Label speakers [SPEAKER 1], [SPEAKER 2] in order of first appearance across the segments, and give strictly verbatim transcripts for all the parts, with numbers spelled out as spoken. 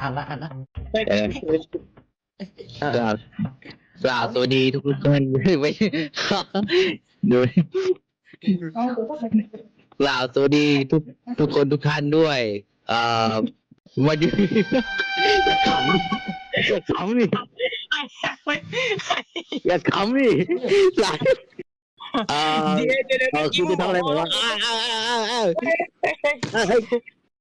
[SPEAKER 1] อ่านละอ่านละ
[SPEAKER 2] เออกล่าวกล่าวสวัสดีทุกคนไม่ดูกล่าวสวัสดีทุกทุกคนทุกท่านด้วยเอ่อวันนี้อย่าขำอย่าขำดิอย่าขำดิหลายเอ่อ
[SPEAKER 3] เดี๋ยวเดี๋ยวเดี๋ยว
[SPEAKER 2] เออคุณจะทำอะไรผมว่าอ้าวอ้าวอ้าวอ้าวอ้าวเฮ้ย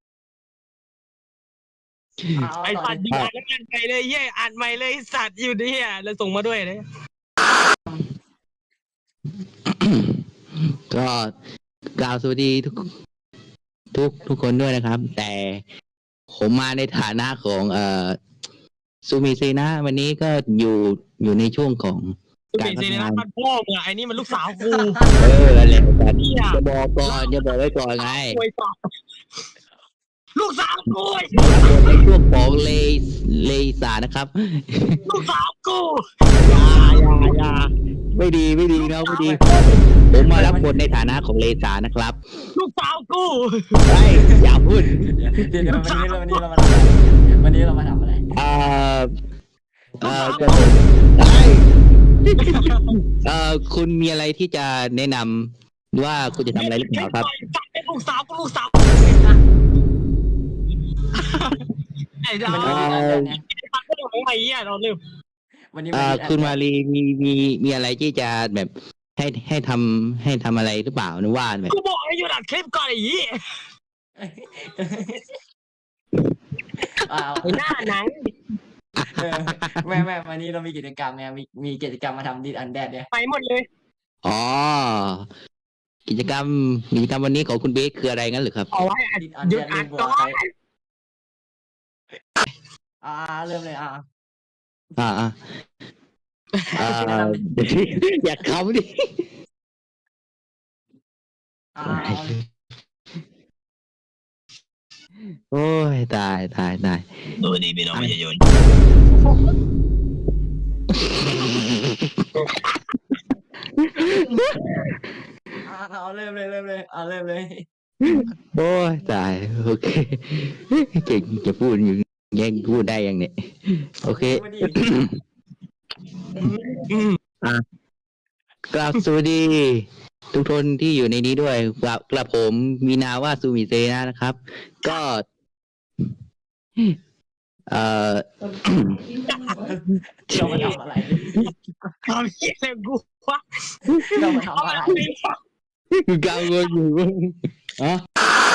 [SPEAKER 3] ไอสัตว์ยิงอ่านแล้วอ่านไปเลยเย่อ่านใหม่เลยสัตว์อยู่เนี่ยแล้วส่งมาด้วยเลย
[SPEAKER 2] ก็กล่าวสวัสดีทุกทุกทุกคนด้วยนะครับ แต่ผมมาในฐานะของเอ่อซูมิซีนะ วันนี้ก็อยู่อยู่ในช่วงของ
[SPEAKER 3] กู
[SPEAKER 2] การ
[SPEAKER 3] เป็น
[SPEAKER 2] พั
[SPEAKER 3] เซ
[SPEAKER 2] ฒ
[SPEAKER 3] น
[SPEAKER 2] นา
[SPEAKER 3] นะมันพ่อมึงอะไอ้นี่มันลูกสาวกู
[SPEAKER 2] เอออะไรกันจะบอกก่อนจะบอกไว้ก่อนไง
[SPEAKER 3] โวยต่อลูกสาวกู
[SPEAKER 2] ในช่วงของเลเลสานะครับ
[SPEAKER 3] ลูกสาวกู
[SPEAKER 2] อยาอยาอยาไม่ดีไม่ดีนะไม่ดี ผมมารับบทในฐานะของเลสานะครับ
[SPEAKER 3] ลูกสาวกู
[SPEAKER 2] ไอ้อย่าพูด
[SPEAKER 1] เดี๋ยวเดี๋ยววันนี้เราวันนี้เรามาทำอะไรวันนี้เรามาทำอะไร
[SPEAKER 2] เอ่อเอ่อจะไอ้เอ่อคุณมีอะไรที่จะแนะนำว่าคุณจะทำอะไรหรือเปล่าครับ
[SPEAKER 3] เป็นลูกสาวกูลูกสาวไอ้ดา
[SPEAKER 1] วัน
[SPEAKER 3] ว
[SPEAKER 1] นี้มีอันเดียวเนี่ย
[SPEAKER 3] ตัดก็ของไอ้เหี้ยเราลืม
[SPEAKER 1] วันนี้
[SPEAKER 2] เอ่อ
[SPEAKER 1] วันนี้
[SPEAKER 2] คุณมารีมีมีมีอะไรที่จะแบบให้ให้ทำให้ทำอะไรหรือเปล่านึกว่าแบบ
[SPEAKER 3] กูบอกให้หยุดอัดคลิปก่อนไอ้เหี้ย
[SPEAKER 1] อ้าว
[SPEAKER 3] ไอ้หน้าหนัง
[SPEAKER 1] เออแม่แม่วันนี้เรามีกิจกรรมเนี่ยมีมีกิจกรรมมาทำดิสอันแดดเนี่ย
[SPEAKER 3] ไปหมดเลย
[SPEAKER 2] อ๋อกิจกรรมกิจกรรมวันนี้ของคุณเบสคืออะไรงั้นหรือครับ
[SPEAKER 3] เอาไว้อัด
[SPEAKER 1] ดิสอัน
[SPEAKER 3] หยุ
[SPEAKER 1] แด
[SPEAKER 3] ด
[SPEAKER 1] ด
[SPEAKER 3] อั
[SPEAKER 1] เล่
[SPEAKER 3] ด
[SPEAKER 1] นบัว
[SPEAKER 3] ก่อ
[SPEAKER 1] ใคร
[SPEAKER 3] น
[SPEAKER 1] อ่าเริ่มเลยอ่า
[SPEAKER 2] อ่าอ่าอ่าอยากขำดิ
[SPEAKER 1] อ่าเอาเลย
[SPEAKER 2] โอ้ยตายตายตาย
[SPEAKER 3] สวัสดีพี่น้องประชาชน
[SPEAKER 1] อ่าเอาเริ่มเลยเริ่มเลยอ่าเริ่มเลย
[SPEAKER 2] โอ้ยตายโอเคเก่งจะพูดอยู่แย่งพูดได้ยังเนี่ยโอเค
[SPEAKER 1] มาดิ
[SPEAKER 2] กราบสวัสดี ทุกคนที่อยู่ในนี้ด้วยกราบกระผมมีนามว่าซูมิเซนะนะครับ ก็เอ่อ
[SPEAKER 1] เรามาทำอะไร
[SPEAKER 3] ทำเหี้ยอะไรกูวะ
[SPEAKER 1] เรามา
[SPEAKER 3] เอา
[SPEAKER 1] ทำ
[SPEAKER 3] มา
[SPEAKER 1] อะไร
[SPEAKER 3] ทำไมวะ
[SPEAKER 2] กังวลอยู่อ๋อ